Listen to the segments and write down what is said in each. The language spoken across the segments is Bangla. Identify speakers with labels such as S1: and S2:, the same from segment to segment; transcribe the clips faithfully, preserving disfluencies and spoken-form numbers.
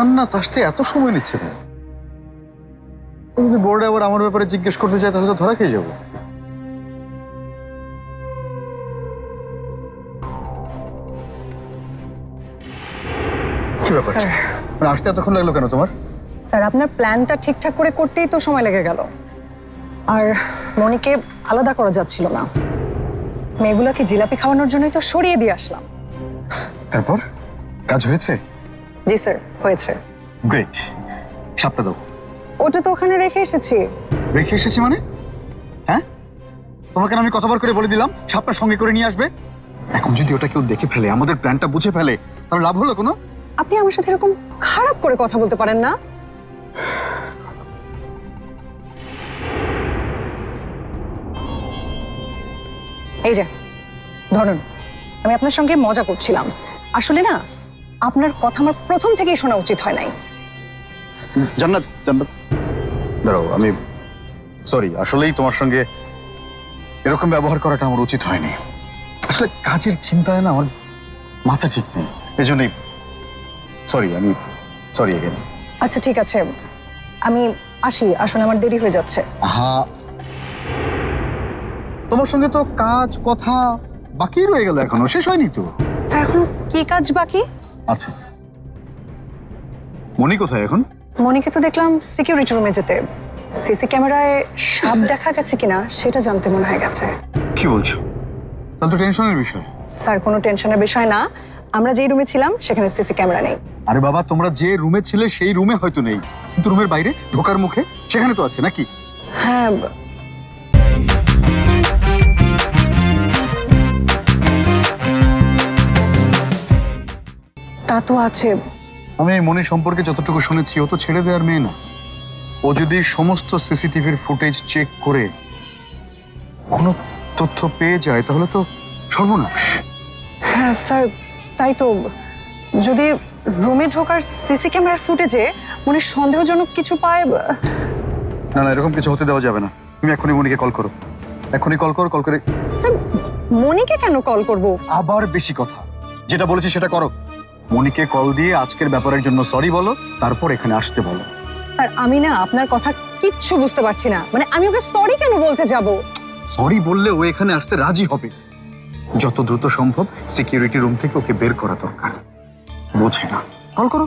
S1: জান্নাত আসতে এত সময় নিচ্ছে কেন? যদি বোর্ডে আবার আমার ব্যাপারে জিজ্ঞেস করতে চাই তাহলে তো ধরা খেয়ে যাবো। কি ব্যাপার?
S2: স্যার
S1: মানে আসতে এতক্ষণ লাগলো কেন তোমার?
S2: স্যার আপনার প্ল্যানটা ঠিকঠাক করে করতেই তো সময় লেগে গেল, আর মনিকে আলাদা করা যাচ্ছিল না। মেয়েগুলোকে জিলাপি খাওয়ানোর জন্যই তো সরিয়ে দিয়ে আসলাম।
S1: তারপর কাজ হয়েছে?
S2: জি স্যার, হয়েছে।
S1: গ্রেট। সাপটা দাও।
S2: ওটা তো ওখানে রেখে এসেছি।
S1: রেখে এসেছি মানে? হ্যাঁ, তোমাকে না আমি কতবার করে বলে দিলাম সাপটা সঙ্গে করে নিয়ে আসবে? এখন যদি ওটা কেউ দেখে ফেলে, আমাদের প্ল্যানটা বুঝে ফেলে, তাহলে লাভ হলো কোনো?
S2: আপনি আমার সাথে এরকম খারাপ করে কথা বলতে পারেন না। এই যে ধরুন, আমি আপনার সঙ্গে মজা করছিলাম। আসলে না, আপনার কথা আমার প্রথম থেকেই শোনা উচিত হয় নাই।
S1: জান্নাত, জান্নাত দাঁড়াও, আমি সরি, আসলেই তোমার সঙ্গে এরকম ব্যবহার করাটা আমার উচিত হয়নি। আসলে কাজের চিন্তায় না আমার মাথা ঠিক নেই, এই জন্যই সরি। আমি সরি এগেন।
S2: আচ্ছা ঠিক আছে, আমি আসি, আসলে আমার দেরি হয়ে যাচ্ছে।
S1: হ্যাঁ, তোমার সঙ্গে তো কাজ কথা বাকি রয়ে গেল, এখনো শেষ হয়নি তো।
S2: স্যার এখন কি কাজ বাকি?
S1: আচ্ছা, মনি কোথায় এখন?
S2: মনিকে তো দেখলাম সিকিউরিটি রুমে যেতে। সিসি ক্যামেরায় সাপ দেখা গেছে কিনা সেটা জানতে মনে হয়ে গেছে।
S1: কি বলছো? তাহলে তো টেনশনের বিষয়।
S2: স্যার কোনো টেনশনের বিষয় না, আমরা যেই রুমে ছিলাম সেখানে সিসি ক্যামেরা নেই।
S1: আরে বাবা, তোমরা যে রুমে ছিলে সেই রুমে হয়তো নেই, কিন্তু রুমের বাইরে ঢোকার মুখে সেখানে তো আছে নাকি?
S2: হ্যাঁ, তা তো আছে।
S1: আমি এই মনির সম্পর্কে যতটুকু শুনেছি, ও তো ছেড়ে দেওয়ার মেয়ে না। ও যদি সমস্ত সিসিটিভির ফুটেজ চেক করে কোনো তথ্য পেয়ে যায় তাহলে তো সর্বনাশ।
S2: হ্যাঁ স্যার, তাই তো। যদি রুমে ঢোকার সিসি ক্যামেরার ফুটেজে মনে সন্দেহজনক কিছু পায়।
S1: না না, এরকম কিছু হতে দেওয়া যাবে না। তুমি এখনই মনিকে কল করো, এখনই কল করো। কল করে
S2: স্যার, মনিকে কেন কল করব?
S1: আবার বেশি কথা, যেটা বলেছি সেটা করো। মনিকে কল দিয়ে আজকের ব্যাপারের জন্য সরি বলো, তারপর এখানে আসতে বলো।
S2: স্যার আমি না আপনার কথা কিচ্ছু বুঝতে পারছি না। মানে আমি ওকে সরি কেন বলতে যাব?
S1: সরি বললে ও এখানে আসতে রাজি হবে। যত দ্রুত সম্ভব সিকিউরিটি রুম থেকে ওকে বের করা দরকার। বোঝে না, কল করো।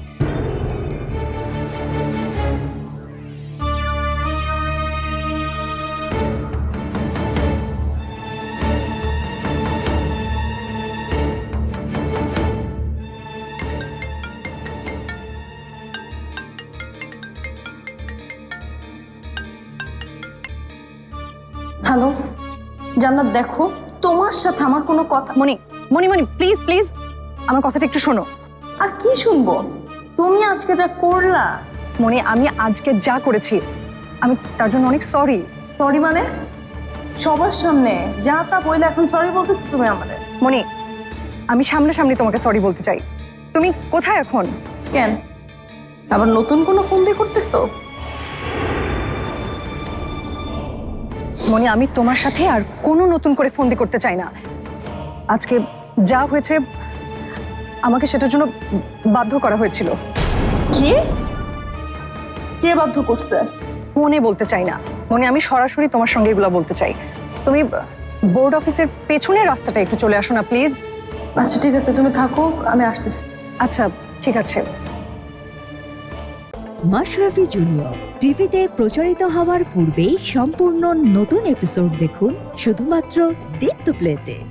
S3: হ্যালো জান্নাত, দেখো তোমার সাথে আমার কোনো কথা।
S2: মনি মনি মনি প্লিজ প্লিজ আমার কথাটা একটু শোনো।
S3: আর কি শুনবো? তুমি আজকে যা করলা।
S2: মনি, আমি আজকে যা করেছি আমি তার জন্য অনেক সরি।
S3: সরি মানে? সবার সামনে যা তা বইলে এখন সরি বলতেছো তুমি আমাদের?
S2: মনি, আমি সামনাসামনি তোমাকে সরি বলতে চাই। তুমি কোথায় এখন?
S3: কেন আবার নতুন কোনো ফোন দিয়ে করতেছো?
S2: মনি, আমি তোমার সাথে আর কোনো নতুন করে ফন্দি করতে চাই না। আজকে যা হয়েছে আমাকে সেটার জন্য বাধ্য করা হয়েছিল।
S3: কি? কে বাধ্য করছে?
S2: ফোনে বলতে চাই না মনি, আমি সরাসরি তোমার সঙ্গে এগুলো বলতে চাই। তুমি বোর্ড অফিসের পেছনের রাস্তাটা একটু চলে আসো না প্লিজ।
S3: আচ্ছা ঠিক আছে, তুমি থাকো, আমি আসতেছি।
S2: আচ্ছা ঠিক আছে।
S4: মাশরাফি জুনিয়র টিভিতে প্রচারিত হওয়ার পূর্বেই সম্পূর্ণ নতুন এপিসোড দেখুন শুধুমাত্র দীপ্ত প্লেতে।